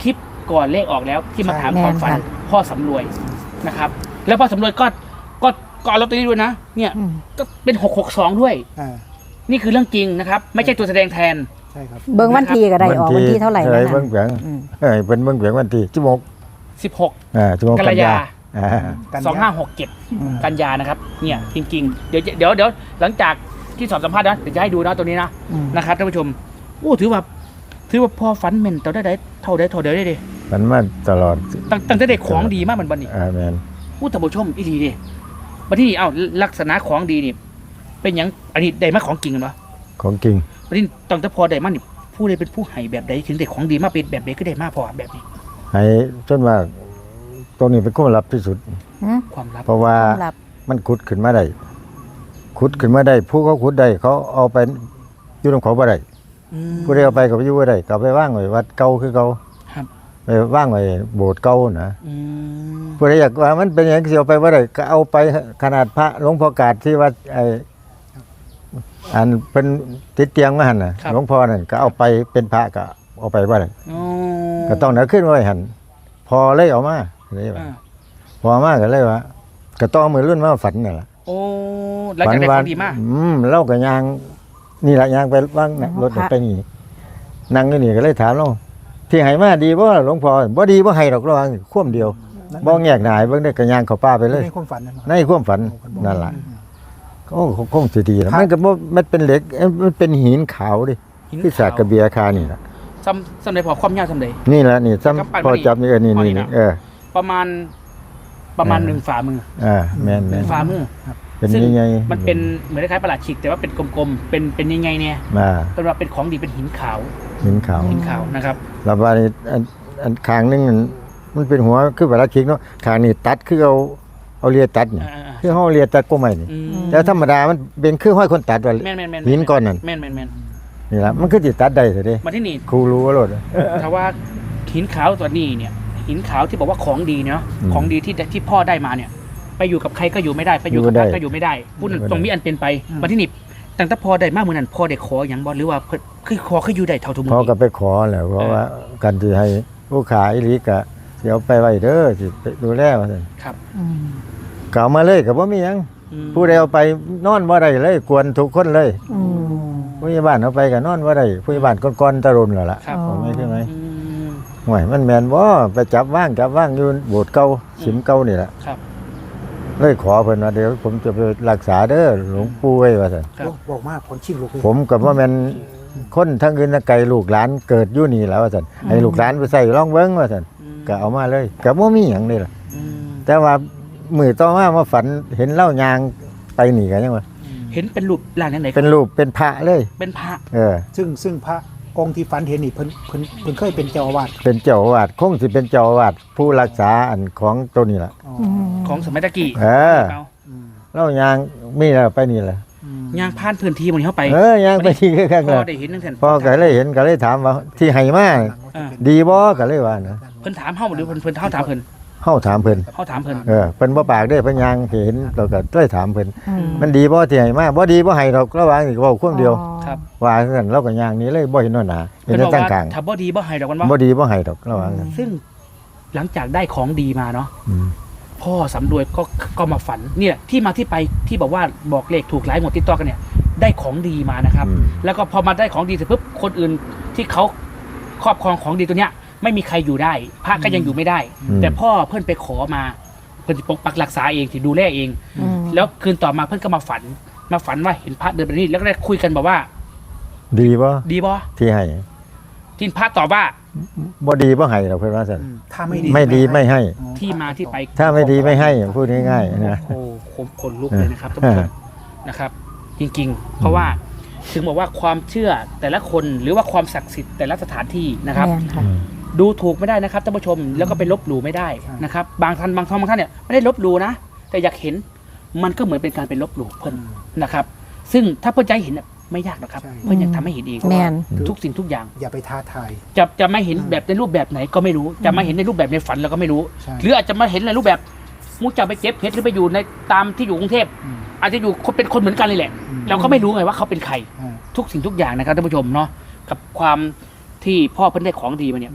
A: ก่อนเลขออกแล้วที่มาถาม
B: ใช่
A: ความฝัน
B: แม่นค่ะ
A: พ่อสำรวยนะครับ แล้วพ่อสำรวยก็ก็ก็เอาลอตเตอรี่ด้วยนะเนี่ย
B: อืม
A: ก็เป็นหกหกสองด้วย
C: อ่า
A: นี่คือเรื่องจริงนะครับ ไม่ใช่ตัวแสดงแทน
C: ใช่ครับ
B: เบิ่งวันทีก็ได้ออกวันที่เท่าไหร่
D: เอ้
B: นะ
D: ยเบิ่งเบียง
B: อืม
D: เอ้ยเป็นเบิ่งเบียงวันที่สิบหก
A: สิบหก
D: อ่าสิบหก
A: กั
D: กัน
A: ยาย
D: าอ่า
C: กันยา
A: สองห้าหกเจ็ด
C: อืม
A: กันยานะครับเนี่ยจริงๆเดี๋ยวเดี๋ยวเดี๋ยวหลังจากที่สอบสัมภาษณ์นะเดี๋ยวจะให้ดูนะตัวนี้นะ
B: อืม
A: นะครับท่านผู้ชมโอ้ถือว่าถือว่าพ่อฝันแม่นต่อได้ได้เท่าได้เท่าเดียวได้ดิ
D: มันมาตลอด
A: ตั้งตั้งแต่เด็กของดีมากเหมือนบันนี่
D: อ่าแม่น
A: อู้ท่านผู้ชมอีดีดิบันที่นี่เอ้าลักษณะของดีนี่เป็นหยังอันนี้ได้มาของจริงกันปะ
D: ของจริง
A: บันนี้ตั้งแต่พอได้มานี่ผู้ใดเป็นผู้ให้แบบใดถึงได้ของดีมาเป็นแบบใดก็ได้มาพอแบบนี้
D: ให้จนว่าตรงนี้เป็นความลับที่สุด
B: อืม
A: ความลับ
D: เพราะว่า
B: หลับ
D: มันขุดขึ้นมาได้ขุดขึ้นมาได้ผู้เขาขุดได้เขาเอาไปอยู่ตรงเขาบ่ได้
A: อืม
D: ผู้ใดเอาไปก็ไปอยู่บ่ได้ก็เอาไปว่างไว้วัดเก่าคือเก่า
A: ครับ
D: ไปว่างไว้โบสถ์เก่านะ
A: อืม
D: ผู้ใดอยากว่ามันเป็นอย่างที่เอาไปบ่ได้ก็เอาไปขนาดพระหลวงพ่อกาดที่วัดไอ้อันเป็นติดเตียงมาหั่นน่ะหลวงพ่อนั่นก็เอาไปเป็นพระก็เอาไปบ่ได้
A: โอ้
D: ก็ต้องเอาขึ้นไว้หั่นพอเลยเอามาเลยว่า
A: อ่า
D: พอมาก็เลยว่าก็ต้องมือรุ่นมาฝันนั่นล่ะ
A: โอ้หลังจากได้ของดีมาก
D: อืมเล่ากับยางนี่แหละยางไปว่างน่ะรถน่ะไปนี่นั่งอยู่นี่ก็เลยถามเราที่ให้มาดีบ่หลวงพ่อบ่ดีบ่ให้ดอกระวังควมเดียวบ่แงกหนายเบิ่งได้ก็ยางเข้าป่าไปเลย
C: ในความฝันนั่น
D: ในความฝันนั่นล่ะโอ้คงสิดีแล้วมันก็บ่มันเป็นเหล็กเอ้ยมันเป็นหินขาวดิ
A: หิน
D: ที่สากกระเบียคานี่ล่ะ
A: ซ้ำซ้ำใดพอความยาวซ้ำใด
D: นี่แหละนี่ซ้ำ
A: กำปั้น
D: พอจับนี่เออนี่
A: พอ
D: นี่
A: นี่
D: นี่
A: นะ
D: เออ
A: ประมาณประมาณ
D: เออ
A: หนึ่งฝ่ามือ
D: อ่าแม่น
A: ห
D: แม่
A: นึ่
D: น
A: งฝ่ามือ
D: เป็น
A: ซึ่ง
D: ยังไง
A: มันเป็นเหมือนคล้ายๆประหลาดฉีกแต่ว่าเป็นกลมๆเป็นเป็นยังไงเนี่ย
D: มา
A: เป็นว่าเป็นของดีเป็นหินขาว
D: หินขาว
A: หินขาวนะครับ
D: แล้วว่านี่อันอันข้างหนึงมันมันเป็นหัวคือเวลาคิกเนาะข้างนี้ตัดคือเอาเอาเลียตัดนี่
A: อ่าๆ
D: คือเฮาเลียตัดก็ไม่นี่
A: อืม
D: แต่ธรรมดามันเป็นคือห้อยคนตัดว่า
A: แม่นแม่นแม่น
D: หินก้อนนั่น
A: แม่นแม่นแม่น
D: นี่ล่ะมันคือสิตัดได้ซะเด้
A: มาที่นี่
D: ครูรู้ว่าโลด
A: ถ้าว่าหินขาวตัวนี้เนี่ย หินขาวที่บอกว่าของดีเนาะ
D: อืม
A: ของดีที่ที่พ่อได้มาเนี่ย ไปอยู่กับใครก็อยู่ไม่ได้ไปอยู่กับ
D: อยู่
A: พ
D: ไม่ได้
A: ระก็อยู่ไม่ได้พูด
D: อยู่ไม่ได้
A: ตรงนี้อันเป็นไปมาที่นี่ตั้งแต่พ่อได้มากมือนั้นพ่อได้ขออย่างบ่หรือว่าเพิ่นคือขอคืออยู่ได้เท่าทุกมื
D: พอ
A: อ
D: ก็ไปขอแหละเพราะว่ากันสิให้ผู้ขายอีหลีก็สิเอาไปไว้เด้อสิไปดูแลว่าซั่น
A: ครับ
B: อืม
D: ก็เอามาเลยก็บ่มีหยัง
A: อืม
D: ผู้ใดเอาไปนอนบ่ได้เลยกวนทุกคนเลย
B: อืม
D: ผู้ใหญ่บ้านเอาไปก็นอนบ่ได้ผู้ใหญ่บ้านก่อนๆตะรุนแล้วล่ะ
A: ครับ
B: อ๋อ
D: ผมไม่ใช่ไหม
A: อืม
D: ห่วยมันแม่นบ่ไปจับว่างจับว่างอยู่โบสถ์เก่าฉิมเก่านี่แหละ
A: ครับ
D: เลยขอเพิ่นว่าเดี๋ยวผมจะไปรักษาเด้อหลวงปู่ไว้ว่าซั่น
A: ครับ
C: บอกมากคนชิงลูกเลย
D: ผมก็บ่แม่นคนทั้งอื่นทั้งไกลลูกหลานเกิดอยู่นี่แหล้วว่าซั่นให้ลูกหลานไปใส่ลองเบิ่งว่าซั่น
A: อืม
D: ก็เอามาเลยก็บ่มีหยังนี่ล่ะ
A: อืม
D: แต่ว่ามื้อต่อมามาฝันเห็นเล่ายางไปนี่ก็ยังว่า
A: เห็นเป็นรูปร่างไหนๆ
D: เป็นรูปเป็นพระเลย
A: เป็นพระ
D: เออ
C: ซึ่งซึ่งพระองค์ที่ฝันเห็นนี่เพิ่นเพิ่นเพิ่นเคยเป็นเจ้าอาวาส
D: เป็นเจ้าอาวาสคงสิเป็นเจ้าอาวาสผู้รักษาอันของตัวนี้ล่ะ
C: อ๋อ
B: อืม
A: ของสมัยตะกี้
D: เออ
A: เอา
C: อืม
D: เล่ายางมีแล้วไปนี่แหละ
C: อืม
A: ย่างผ่านพื้นที่มันเข้าไป
D: เออยางไปที่ข้าง
A: พ่
D: ๆ
A: อ
D: น่ะ
A: ได้เห็นนั่นแทน
D: พอก็เลยเห็นก็เลยถามว่าที่ให้มา
A: อ่า
D: ดีบ่ก็เลยว่านะ
A: เพิ่นถามเฮาหรือเพิ่นเพิ่นเฮาถามเพิ่น
D: เฮาถามเพิ่น
A: เฮาถามเพิ่น
D: เออเพิ่นบ่ปากเด้อเพิ่นยังเห็นเราก็เลยถามเพิ่น
B: อืม
D: มันดีบ่ที่ให้มาบ่ดีบ่ให้ดอกระหว่างนี่ก็เว้าคนเดียว
B: อ๋อ
A: ครับ
D: ว่าซั่นเราก็ย่างหนี้เลยบ่เห็นหน้าหน้าเห็
A: เพิ่
D: น
A: น
D: แต่
A: บอก
D: ตั้ง
A: ว่า
D: ข้าง
A: ถ้าบ่ดีบ่ให้ดอกมัน
D: บ่
A: ว่า
D: ดีบ่ให้ดอกระหว่างนั้น
A: ซึ่งหลังจากได้ของดีมาเนาะ
D: อืม
A: พ่อสำรวยก็ก็มาฝันเนี่ยที่มาที่ไปที่บอกว่าบอกเลขถูกหลายหมดติดต่อกันเนี่ยได้ของดีมานะครับ
D: อืม
A: แล้วก็พอมาได้ของดีเสร็จปุ๊บคนอื่นที่เขาครอบครองของดีตัวเนี้ย ไม่มีใครอยู่ได้ พระก็ยังอยู่ไม่ได้
D: อืม
A: แต่พ่อเพื่อนไปขอมาเพื่อนสิปกปักรักษาเองที่ดูแลเอง
B: อืม
A: แล้วคืนต่อมาเพื่อนก็มาฝัน มาฝันว่าเห็นพระเดินไปนี่แล้วก็ได้คุยกันบอกว่า
D: ดีบ่
A: ดีบ่
D: ที่ให้
A: ที่พระตอบว่า
D: บ่ดีบ่ให้ดอกเพิ่นว่าซั่น
C: อืมถ้าไม่ดี
D: ไม่ดีไม่ให้
C: อ๋อ
A: ที่มาที่ไป
D: ถ้าไม่ดีไม่ให้พูดง่ายๆนะ
A: โอ้โหขนลุกเลยนะครับท่านผู้ชมนะครับ จริงๆ เพราะว่าถึงบอกว่าความเชื่อแต่ละคนหรือว่าความศักดิ์สิทธิ์แต่ละสถานที่นะครับ
B: แม่นค่ะ
A: ดูถูกไม่ได้นะครับท่านผู้ชมแล้วก็ไปลบหลู่ไม่ได้นะครับ บางท่านบางท่านบางท่านเนี่ยไม่ได้ลบหลู่นะแต่อยากเห็นมันก็เหมือนเป็นการเป็นลบหลู่เพิ่นนะครับ ซึ่งถ้าเพื่อนใจเห็นน่ะไม่ยากหรอกครับ เพื่อนอยากทำให้เห็นเอง
B: แม่น
A: ทุกสิ่งทุกอย่าง
C: อย่าไปท้าทาย
A: จะจะไม่เห็นแบบในรูปแบบไหนก็ไม่รู้ จะมาเห็นในรูปแบบในฝันเราก็ไม่รู้
C: ใช่
A: หรืออาจจะมาเห็นในรูปแบบมูจะไปเก็บเพชรหรือไปอยู่ในตามที่อยู่กรุงเทพ
C: อืม
A: อาจจะอยู่คนเป็นคนเหมือนกันเลยแหละ
C: อืม
A: เราก็ไม่รู้ไงว่าเขาเป็นใคร
C: อ่า
A: ทุกสิ่งทุกอย่างนะครับท่านผู้ชมเนาะกับความที่พ่อเพิ่นได้ของดีมาเนี่ย
C: อืม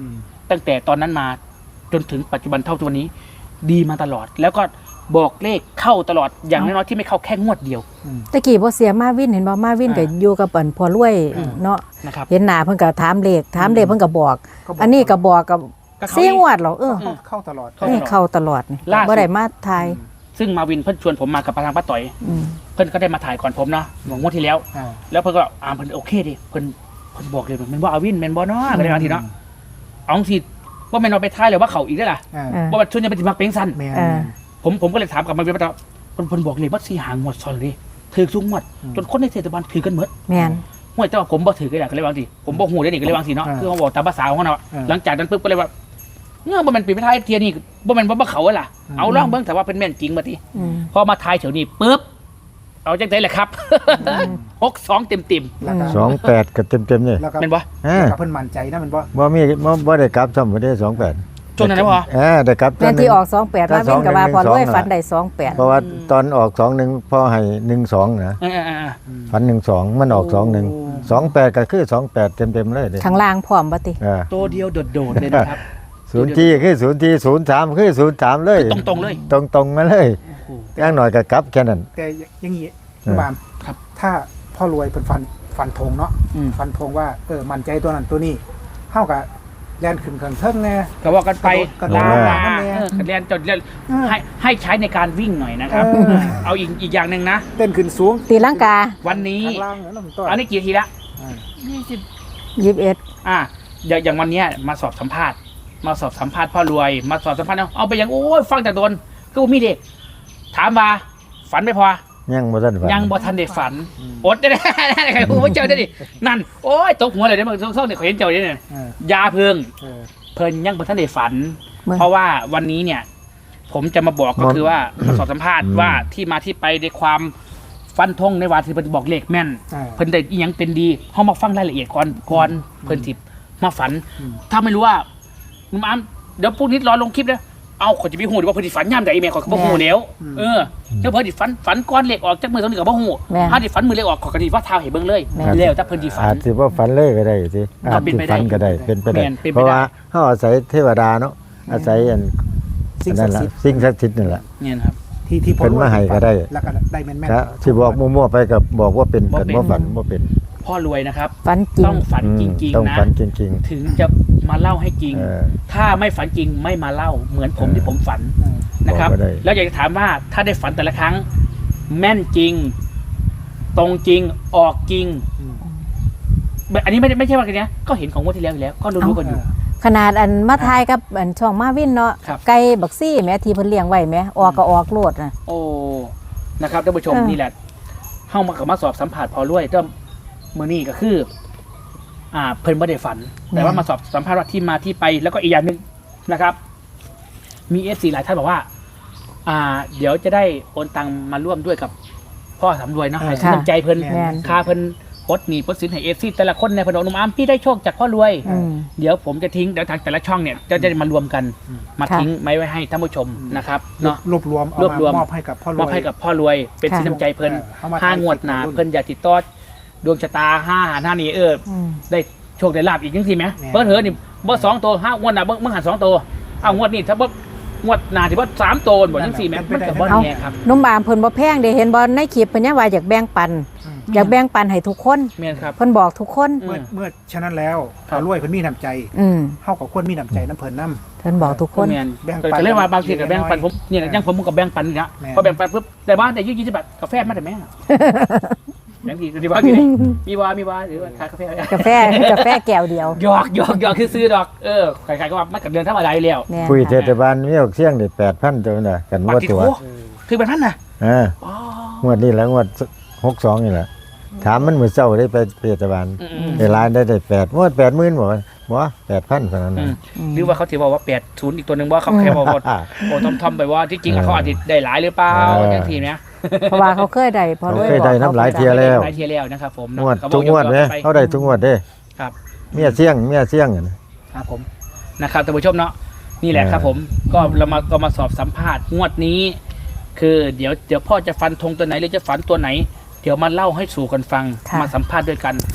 A: ตั้งแต่ตอนนั้นมาจนถึงปัจจุบันเท่าตัวนี้ ดีมาตลอด แล้วก็บอกเลขเข้าตลอดอย่างน้อยๆที่ไม่เข้าแค่งวดเดียว
B: ตะกี้บ่เสียมาวินเห็นบ่มาวินก็อยู่กับเปิ้นพอรวย
A: อืม
B: เนาะ
A: นะครับ
B: เห็นหน้าเพิ่นก็ถามเลขถามเลขเพิ่นก็บอก
C: ก็บอก
B: อันนี้ก็บอกกับ
A: ก็เขา
B: เสียงวดเหรอเออ
C: เข้าเข้าตลอด
A: เข้า
B: นี่เข้าตลอดนี่
A: ล่าสุด
B: บ่ได้มาทาย
A: ซึ่งมาวินเพิ่นชวนผมมากับประธานป้าต่อย
B: อืม
A: เพิ่นก็ได้มาถ่ายก่อนผมเนาะหงวดที่แล้ว
C: อ่า
A: แล้วเพิ่นก็อ่าเพิ่นโอเคดิเพิ่นเพิ่นบอกเลยมันว่าอาวินแม่นบ่เนาะก็ได้บางทีเนาะเอาสิว่าแม่นเอาไปท้ายเลยว่าเขาอีกได้อล่ะ
C: อ่า
B: อ่า
A: ว่ามันชวนจะไปสิมักเป็งสั้น
C: แม่น
B: อ่า
A: ผมผมก็เลยถามกลับมาเป็นประจำเพิ่นเพิ่นบอกเลยว่าสิหางวดซ้อนเลยถือทุกงวด จนคนในเทศบาลถือกันหมด
B: แม่น
A: ห่วยแต่ว่าผมบ่ถือก็ได้ก็เลยบางทีผมบ่ฮู้ได้นี่ก็เลยบางทีเนาะคือเขาบอกตามภาษาของเขาเนาะหลังจากนั้นปุ๊บก็เลยว่าเงื่อบ่แม่นปีไปท้ายเทียนี่บ่แม่นบ่บ่เขาอะล่ะเอาลองเบิ่งแต่ว่าเป็นแม่นจริงบ่ติ
B: อืม
A: พอมาทายเฉยวนี้ปุ๊บเอาจังได๋แหละครับหกสองเต็ม
C: แล้วก็
D: สองแปดก็เต็มๆนี่
C: แล้วก็
A: ๆแม่นบ่
D: อ่า
C: แล้วก็เพิ่นมั่นใจนะมันบ่
D: บ่มีบ่บ่ได้กลับซ้ำบ่ได้สองแปด
A: ช่วงนั้นนะพ่อ
D: อ่าได้กลับ
B: แม่นที่ออกสองแปด
D: ถ้า
B: มาวินก็ว่าพอรวย
D: สองหนึ่ง
B: ฝันได้สองแปด
D: เพราะว่าตอนออกสองหนึ่งพ่อให้หนึ่งสองนะ
A: เออๆ
C: อืม
D: ฝันหนึ่งสองมันออกสองหนึ่งสองแปดก็คือสองแปดเต็มๆเลยเด้
B: ข้างล่างพร้อมบ่ติ
D: อ่า
A: ๆตัวเดียวโดดๆเลยนะครับ
D: ศูนย์ที่คือศูนย์ที่ศูนย์สามคือศูนย์สามเลย
A: ตรงๆเลย
D: ตรงตรงๆมาเลย
A: โอ้โห
D: อย่างหน่อยก็กลับแค่นั้น
C: แต่อย่างนี้
D: เออ
C: บาม
A: ครับ
C: ถ้าพ่อรวยเป็นฟันฟันธงเนาะ
A: อืม
C: ฟันธงว่าเออมั่นใจตัวนั้นตัวนี้เท่ากับแลนขึ้นเขิงเทิงแน่
A: ก็ว่ากันไป
C: กระโดด
A: ลาก
C: ระโดด
A: ลา
C: นั่นแหละ
A: เออเรียนจดเรียน
C: เออ
A: ให้ให้ใช้ในการวิ่งหน่อยนะครับ
C: เออ
A: เอาอีกอีกอย่างหนึ่งนะ
C: เต้นขึ้นสูง
B: ตีลังกา
A: วันนี้
C: ข้างล่างนั่นมันต้น
A: อันนี้กี่ทีละ
C: อ่า
E: ยี่สิบ
B: ยี่สิบเอ็ด
A: อ่าอย่างอย่างวันเนี้ยมาสอบสัมภาษณ์ มาสอบสัมภาษณ์พ่อรวย มาสอบสัมภาษณ์เอาเอาไปอย่างโอ้ยฟังแต่โดนก็บ่มีเด็ก ถามว่าฝันไม่พอ
D: ยังบ่ทันฝัน
A: ยังบ่ทันได้ฝันอดได้ได้ใครพูดว่าเจ้าได้ดินั่นโอ้ยตกหัวเลยเด้อมึงเศร้าๆเนี่ยเขาเห็นเจ้าเนี่ย
C: เออย
A: าเพิง
C: เออ
A: เพิ่นยังบ่ทันได้ฝัน
B: เมื่อ
A: เพราะว่าวันนี้เนี่ย ผมจะมาบอกก็คือว่ามาสอบสัมภาษณ์ว่าที่มาที่ไปในความฟันธงในวาที่เพิ่นบอกเลขแม่น
C: อ่า
A: เพิ่นได้อีหยังเป็นดีเฮามาฟังรายละเอียดก่อนก่อนเพิ่นสิมาฝัน
C: อืม
A: ถ้าไม่รู้ว่ามึงมาเดี๋ยวพรุ่งนี้รอลงคลิปนะเอาขอยจะไปฮู้ดีว่าเพิ่นสิฝันยามใดแม่ขอยก็บ่ฮู้แล้วเออแล้วเพิ่นสิฝันฝันก่อนเลขออกจากมือตรงนี้ก็บ่ฮู้
B: แม่น
A: ถ้าสิฝันมือเลขออกขอยก็สิว่าท้าวให้เบิ่งเลย
B: แม่น
A: แล้วถ้าเพิ่นสิฝั
D: อาน จสิว่าฝันเลยก็ได้สิอาจ
A: เป็น
D: สิ
A: ไปได้
D: ฝันก็ได้เป็นไปได้
A: แม่นเป็นไปได้
D: เพราะว่าเฮาอาศัยเทวดาเนาะอาศัยอัน
C: สิ่ง
D: อัน
C: ศั
D: นั่
C: ก
D: น
C: ดิ์
D: ล่ะ
C: สิทธิ์
D: สิ่งศักดิ์สิทธิ์นั่นแหละ
A: เนี่ยนะครับ
C: ที่ที่พ่อ
D: เพิ่นมาให้ก็ได้
C: แล้วก็ได้แม่นแม่น
D: ถ้าที่บอกมั่วๆไปก็บอกว่าเป็น
A: บ่
D: กัน
A: เป็น
D: บ่ฝันบ่เป็น
A: พ่อรวยนะครับ
B: ฝันจริ
A: ต้
B: ง
A: องฝัน
D: อืม
A: จริง
D: ต้อง
A: ๆนะ
D: ฝันจริง
A: ถึงจะมาเล่าให้จริง
D: ๆเออ
A: ถ้าไม่ฝันจริงไม่มาเล่าเหมือนผมที่ผมฝัน
C: เออ
A: นะครับ
D: บอกก็ได้
A: แล้วอยากจะถามว่าถ้าได้ฝันแต่ละครั้ง แม่นจริง ตรงจริงออกจริง
C: อืม
A: แบบอันนี้ไม่ได้ไม่ใช่ว่ากันเนี้ยก็เห็นของงวดที่แล้วอยู่แล้ว ก็รู้ๆกันอยู่
B: ขนาดอันมาทายกับอันช่องมาวินเนาะ
A: ครับ
B: ไก่บักซี่แม่ที่เพิ่นเลี้ยงไว้แม่ออกก็ออกโลดน่ะ
A: โอ้นะครับท่านผู้ชม
B: เออ
A: นี่แหละเข้ามากับมาสอบสัมผัสพอรวยก็มือนี่ก็คือ อ่า เพิ่นไม่ได้ฝัน แต่ว่ามาสอบสัมภาษณ์ว่าที่มาที่ไปแล้วก็อีกอย่างหนึ่งนะครับ มีเอฟซีหลายท่านบอกว่า อ่า เดี๋ยวจะได้โอนตังมาร่วมด้วยกับพ่อสำรวยเนาะให้
B: ค่ะ
A: น้ำใจเพิ่น
B: แม่น
A: ค่าเพิ่นปลดหนี้ปลดสินให้เอฟซีแต่ละคนในพนมนุ่มอ้ามพี่ได้โชคจากพ่อรวย
B: อืม
A: เดี๋ยวผมจะทิ้งเดี๋ยวทางแต่ละช่องเนี่ยจะจะมารวมกัน มา
B: ค่ะ
A: ทิ้งไว้ไว้ให้ท่านผู้ชมนะครับเนาะ
C: รวบรวมเอา
A: รวบรวม
C: มามอบให้กับพ่อรวย
A: มอบให้กับพ่อรวย เป็น
B: ค่ะ
A: สินน้ำใจเพิ่น
C: เออเอามา
A: ห้างวดหนา
C: ถ่ายคลิป
A: เพิ่นอยากติดต่อดวงชะตาห้าหาหน้านี้เออ
B: อืม
A: ได้โชคได้ลาบอีกจังซี่ไหม
C: แม่
A: เพิ่นเถอะนี่บ่สองตัวห้างวดหน้าเบิ่งเบิ่งหันสองตัวเอางวดนี้ถ้าบ่งวดหน้าที่บ่สามตัวบ่จังซี่แหมมันก็บ่แน่ครับ
B: นุ่มบามเพิ่นบ่แพงเด้เห็นบ่ในคลิปเพิ่นยังว่าอยากแบ่งปัน
C: อืม
B: อยากแบ่งปันให้ทุกคน
A: แม่นครับ
B: เพิ่นบอกทุกคน
A: อื
C: เมื่อ
A: ม
C: เมื่อฉะนั้นแล้ว
A: ครั
C: พ่อบ รวยเพิ่นมีน้ำใจ
B: อืม
C: เฮากับควรมีน้ำใจน้ำเพิ่นนํ
B: เพิ่นบอกทุกคน
A: แม่น
C: แบ่งปัน
A: ก็เลยว่าบางทีก็แบ่งปันผมเนี่ย
C: แม่น
A: อยังผมก็แบ่งปันนี่นะ
C: แม่น
A: พอแบ่งปันปุ๊บได้บ้านได้ยี่สิบบาทกาแฟมาได้ไหมแบ่งทีดีว่าอยู่นี่มีวามีวาหรือว่าขายกาแฟ
B: กาแฟกาแฟแก้วเดียว
A: หยอกหยอกหยอกคือซื้อดอกเออใครๆก็ว่ามันกับเดือนธรรมดาอยู่แล้ว
B: แม่น
D: คุยเท
B: ค่ะ
D: ศบาลมีออกเสียงได้แปดพันตัวน่ะกัน
A: ปา
D: ว่า
A: ติ
D: ตัว
A: โถคือเป็นพันนะ
D: อ่า
A: อ๋อ
D: งวดนี้แหล้วงวดหกสองนี่แหละถามมันมื้อเช้าได้ไปเทศบาล
A: อืม
D: ได้รายได้ได้แปดงวดแปดหมื่นบ่บ่แปดพันเท่านั้น
A: อื
D: น่ะ
A: มหรือว่าเขาถือว่าแปดศูนย์อีกตัวหนึ่งว่าเขาแค่บอกว่าโอ้ทำทำไปว่าที่จริงอะเขาอาจจะได้หลายหรือเปล่า
D: เออ
A: อย่างทีเนี้ย
B: เพราะว่าเขาเคยได้พอรวย
D: เขาเคยได้น้ำหลายเที่ย แล้ว
A: หลายเทียแล้วนะครับผม
D: งวด
A: เขาบ
D: ทุ
A: อก
D: งวดเด้
A: ยกๆไป
D: เขาได้ทุกงวดเด้
A: ครับ
D: เมียเสียงเมียเสียงอะนะครับ
A: ผมนะครับท่านผู้ชมเนาะนี่แหละ
D: เออ
A: ครับผมก็เรามาก็มาสอบสัมภาษณ์งวดนี้ คือเดี๋ยวเดี๋ยวพ่อจะฟันธงตัวไหนหรือจะฝันตัวไหน เดี๋ยวมาเล่าให้สู่กันฟัง
B: ค่ะ
A: มาสัมภาษณ์ด้วยกัน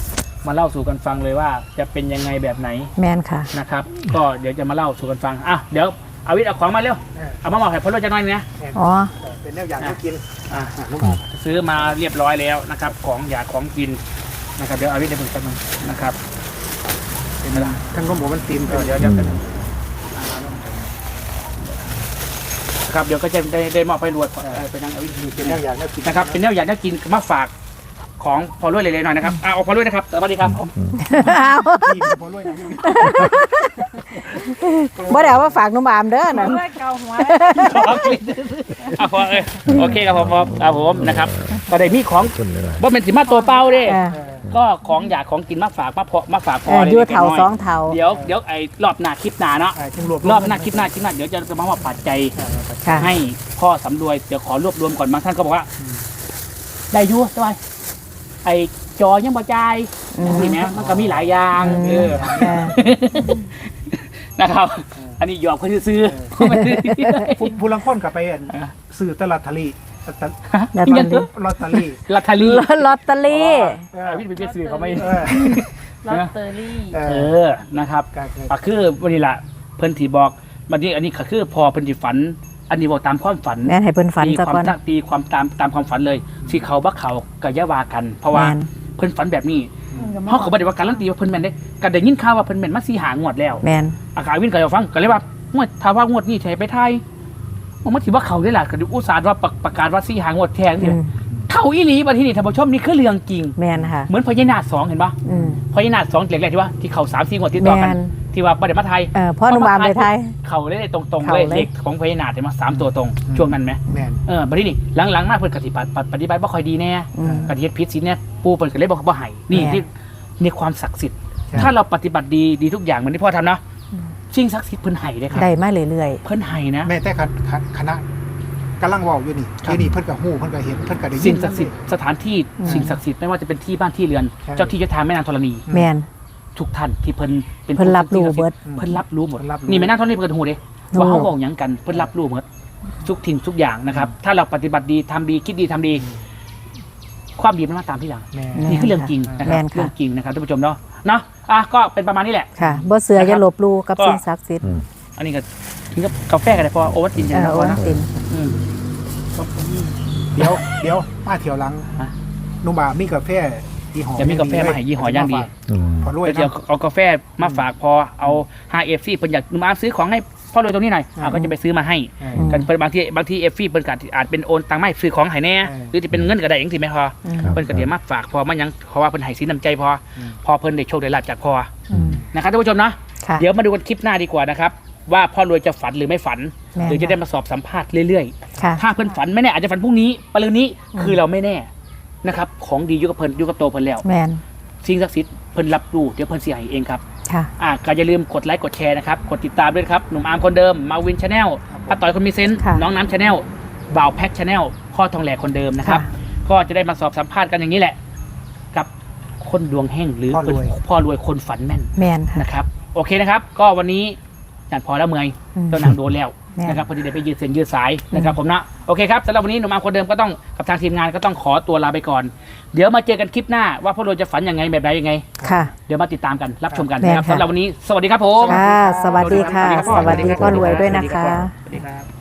A: มาเล่าสู่กันฟังเลยว่าจะเป็นยังไงแบบไหน
B: แมนค่ะ
A: นะครับ ก็เดี๋ยวจะมาเล่าสู่กันฟังอ่ะเดี๋ยวเอาวิทย์เอาของมาเร็วเอามาบอกให้พ่อรวยจะน้อยนะ
B: อ๋อ
C: เป็นแนวอย่างที่กิน
A: อ่ะ
C: อ่ะน้องบอก
A: ซื้อมาเรียบร้อยแล้วนะครับ ของอยากของกินนะครับเดี๋ยวเอาวิทย์ได้เพิ่งกันงนะครับเป็นเวลา
C: ทั้งน้องบอกมันตีน
A: เดี๋ยวเดี๋ยวเดี๋ยวครับเดี๋ยวก็จะได้ได้มอบไปรวดไปนั่งเอาวิทย์
C: เป็นแนวอย่างที่กิน
A: นะครับเป็นแนวอยากได้กินมาฝากของพอรวยเลยๆหน่อยนะครับเอาพอรวยนะครับสวัสดีครับ
C: ที่พอรวยนะ
B: บ่ได้เอามาฝากหนุ่มอามเด้อนะ
E: เพื่อเกาหัว
A: อ่ะพอเออโอเคครับผมพอครับผมนะครับก็ได้มีของ
D: คนเลย
A: บ่เป็นสิมาตัวเปล่าเด้
B: เออ
A: ก็ของอยากของกินมาฝากมาพอมาฝากพ
B: เอ
A: อ
B: อ
A: เลย
B: อยู่เถา
A: ล็กน้ย
B: สองเถา
A: เดี๋ยวเดี๋ยวไอ้รอบหน้าคลิปหน้าเนาะ
C: อ่าจึงรวบ
A: รอบหน้าคลิปหน้าคลิปหน้าเดี๋ยวจะมาว่าปัจจัย
B: ค่ะ
A: ให้พ่อสำรวยเดี๋ยวขอรวบรวมก่อนบางท่านก็บอกว่า ได้อยุ่สบายไอ้จอยังบ่จ่าย
B: อืม
A: นี่แหมมันก็มีหลายอย่าง
B: อืม
A: เออ
B: เออ
A: นะครับ อันนี้หยอกคนซื้อ
C: ผู้ผู้ลังคนกับไปอั่นซื้อตลาดทะเลตะ
B: แล้ว
A: ๆ
B: ตอ
A: ยั
B: น
A: ง
B: นี้
C: ลอตเตอรี่
A: ลอตเตอรี่
B: ลอตเตอรี่
C: เอ
A: อ่า
C: อ
A: พี่เป็นซื้อเขาไม่
C: เออ
E: ลอตเตอรี่
C: เอ
A: เอ
C: อ
A: อนะครับ
C: ก็คือ
A: อ่ะคือวันนี้ล่ะเพิ่นที่บอกวันนี้อันนี้ก็คือพอเพิ่นที่ฝัน อันนี้บอกตามความฝัน
B: แม่นให้เพิ่นฝัน
A: ตี
B: ซะ
A: ความ
B: ก่อน
A: ตั้งตีความตามตามความฝันเลยสิเขาบักเขาก็อย่าว่ากัน เพราะว่า
B: แม่น
A: เพิ่นฝันแบบนี้เฮาก็บ่ได้ว่าการันตีว่าเพิ่นแม่นเด้ก็ได้ยินข่าวว่าเพิ่นแม่นมาสี่หางวดแล้ว
B: แมน
A: อากาศวินก็จะฟังก็เลยว่างวดถ้าว่างวดนี้ใช้ไปไทยมันถือว่าเขาได้ล่ะก็อุตส่าห์ว่าประประกาศว่าสี่หางวดแทง
B: อื
A: นี่
B: ม
A: เข้าอีหลีบัดทีนี้ท่านผู้ชมนี่คือเรื่องจริง
B: แมนค่ะ
A: เหมือนพญานาคสองเห็นปะ
B: อืม
A: พญานาคสองแรกๆที่ว่าที่เขาสามสี่งวดติดต่อกัน
B: แม่น
A: ที่ว่าบ่ได้มาไทย
B: เออพ่อหนุ่มอามไปไทย
A: เขาเลยตรงๆ
B: เขา
A: เลย
B: เลย
A: เลขของพญานาคเห็นมั้ยสามตัวตรงช่วงนั้นไหม
C: แม่น
A: เออบัดนี้หลังๆมาเพิ่นก็สิปฏิปฏิบัติบ่ค่อยดีแน่
B: อืม
A: ก็สิเฮ็ดผิดศีลเนี่ยปู่เพิ่นก็เลยบอกบ่ให้นี่
B: แม่น
A: ที่นี่ความศักดิ์สิทธิ์
C: ใช่
A: ถ้าเราปฏิบัติดีดีทุกอย่างเหมือนที่พ่อทำเนาะสิ่งศักดิ์สิทธิ์เพิ่นให้เลยครับ
B: ได้มาเรื่อย
A: เพิ่นให้นะ
C: แม่แต่คณะกำลังเว้าอยู่นี่
A: ครับ
C: อยู่นี่เพิ่นก็ฮู้เพิ่นก็เห็นเพิ่นก็ได้ยิน
A: สิ่งศักดิ์สิทธิ์สถานที่
B: อืม
A: สิ่งศักดิ์สิทธิ์ไม่ว่าจะเป็นที่บ้านที่เรือน
C: ใช่
A: เจ้าที่เจ้าทางแม่นางธรณี
B: ๆ แมน
A: ทุกท่านที่เพิ่นเป็น
B: เพิ่นรับรู้เบิด
A: เพิ่นรับรู้หมด
C: เพิ่นรับรู้
A: นี่แม่นางธรณีเพิ่นหูเด้
B: รู้
A: ว่าเขาบอกหยังกันเพิ่นรับรู้หมดทุกทิ้งทุกอย่างนะครับ ถ้าเราปฏิบัติดีทำดีคิดดีทำดี ความดีมันมาตามที่หลัง
C: แม่
B: แม่
A: นี่คือเรื่องจริงนะค
B: แม่
A: รับ
B: นค่ะ
A: เรื่องจริงนะครับท่านผู้ชมเนาะเนาะอ่ะก็เป็นประมาณนี้แหละ
B: ค่ะบ่เสือ
A: นะครับ
B: อย่าลบหลู่กับ
A: ก็
B: สิ่งศักดิ์สิทธิ์
D: อืม
A: อันนี้ก็ถึงกับกาแฟกันเลยพอโอวัลติน
B: เอ
A: ใช่ไหม
B: อ
A: พ
B: โอ้
A: อนะ
B: ติน
A: อืม
C: เดี๋ยวเดี๋ยวมาเที่ยวหลัง
A: ฮะ
C: นุ่มบามีกาแฟยี่ห้อ
A: จะมีกาแฟมาให้ยี่ห้ออย่างดี
D: อืม
C: พอรวย
A: เดี๋ยว
C: นะ
A: เอากาแฟมาฝากพอเอาฮาเอฟซีเพิ่นอยากมาซื้อของให้พ่อรวยตรงนี้หน่อยอ่ะก็จะไปซื้อมาให้
C: เออ
B: อืม
A: กันเพิ่นบางทีบางทีเอฟซีเพิ่นก็อาจเป็นโอนตังค์มาให้ซื้อของให้แน่
C: เออ
A: หรือจะเป็นเงินก็ได้จังซี่แม่พอ
B: อืม
A: เพิ่นก็เดี๋ยวมาฝากพอมาหยังเพราะว่าเพิ่นให้สินน้ำใจพออ
C: ม
A: พอเพิ่นได้โชคได้ลาภจากพอ
B: อืม
A: นะครับท่านผู้ชมเนาะ
B: ค่ะ
A: เดี๋ยวมาดูกันคลิปหน้าดีกว่านะครับว่าพ่อรวยจะฝันหรือไม่ฝัน
B: แม่น
A: หรือจะได้มาสอบสัมภาษณ์เรื่อย
B: ค่ะ
A: ๆ ถ้าเพิ่นฝันไม่แน่อาจจะฝันพรุ่งนี้ปะรืนนี้คือเราไม่แน่นะครับของดีอยู่กับเพิ่นอยู่กับโตวเพิ่นแล้ว
B: แมน
A: สิ่งศักดิ์สิทธิ์เพิ่นรับรู้เดี๋ยวเพิ่นสิให้เองครับ
B: ค่ะ
A: อ่ะก็อย่าลืมกดไลค์กดแชร์นะครับ กดติดตามด้วยครับ หนุ่มอาร์มคนเดิม มาวินชาแนลป้าต่อยคนมีเซนส์
B: ค่ะ
A: น้องน้ำชาแนลบ่าวแพ็คชาแนลพ่อทองแหลกคนเดิมนะครับ
B: ค่ะ
A: ก็จะได้มาสอบสัมภาษณ์กันอย่างนี้แหละ กับคนดวงแห้งหรือ
C: พ่อรวย
A: เป็นพ่อรวยคนฝันแม่น
B: แมนค่ะ
A: นะครับ โอเคนะครับ ก็วันนี้อย่างพอแล้วเมื่อย
B: อืม
A: ต้นนางโดนแล้ว
B: แม่น
A: นะครับพอดีได้ไปยืดเส้นยืดสายนะครับผมนะโอเคครับสำหรับวันนี้หนุ่มอาร์มคนเดิมก็ต้องกับทางทีมงานก็ต้องขอตัวลาไปก่อน เดี๋ยวมาเจอกันคลิปหน้าว่าพ่อรวยจะฝันยังไงแบบไหนยังไง
B: ค่ะ
A: เดี๋ยวมาติดตามกันรับชมกัน
B: แม่น
A: นะครับ
B: ค่ะ
A: สำหรับวันนี้สวัสดีครับผม
B: ค่ะ สวัสดีค่ะ
A: รับ
B: สวัสดีพ่อรวยด้วยนะคะ
A: สวัสดีครับ